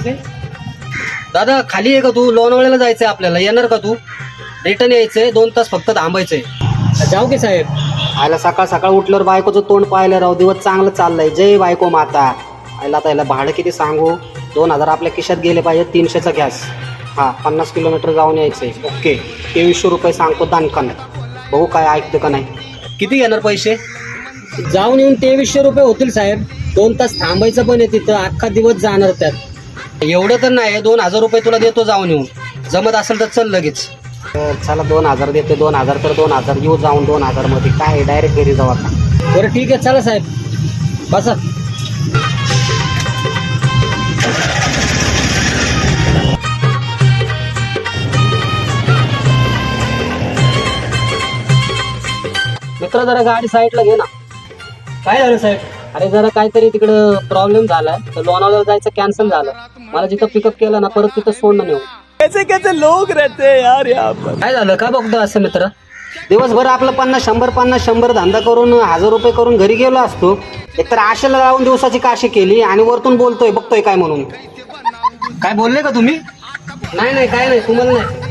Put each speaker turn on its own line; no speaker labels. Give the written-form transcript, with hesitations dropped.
पैसे? दादा खाली आहे का तू? लोणावळ्याला जायचंय आपल्याला, येणार का तू? रिटर्न यायचंय, 2 तास फक्त थांबायचंय.
जाऊ की साहेब?
आयला सकाळ सकाळ उठल्यावर बायकोचं तोंड पाहिलं राव, दिवस चांगलं चाललंय. जय बायको माता. आयला त्याला भाडं किती सांगू? 2000 आपल्या खिशात गेले पाहिजे. 300चा गॅस. हा 50 किलोमीटर जाऊन यायचंय. ओके 2300 रुपये सांगतो दानकन. बघू काय ऐकतं का नाही. किती घेणार पैसे?
जाऊन येऊन 2300 रुपये होतील साहेब. 2 तास थांबायचं पण आहे तिथं, अख्खा दिवस जाणार त्यात.
एवढं तर नाही, 2000 रुपये तुला देतो जाऊन येऊन. जमत असेल तर चल लगेच. चला 2000 देते. 2000 तर 2000 येऊ जाऊन 2000 मध्ये काय डायरेक्ट घरी जाऊ आता.
बरं ठीक आहे, चला साहेब बसा.
मित्र जरा गाडी साईडला घे ना.
काय झालं साहेब?
अरे जरा काहीतरी तिकडं प्रॉब्लेम झालाय, तर लोणावळ्याला जायचं कॅन्सल झालं. मला जिथं पिकअप केलं ना परत तिथं सोडणं नेऊ.
कैसे कैसे लोग रहते हैं यार यहाँ पर.
काय झालं? का बघतो असं मित्र? दिवसभर आपलं 50-100 धंदा करून 1000 रुपये करून घरी गेलो असतो. एकतर आशेला लावून दिवसाची काशी केली आणि वरतून बोलतोय बघतोय काय म्हणून. काय बोलले का तुम्ही? नाही काय नाही, तुम्हाला नाही.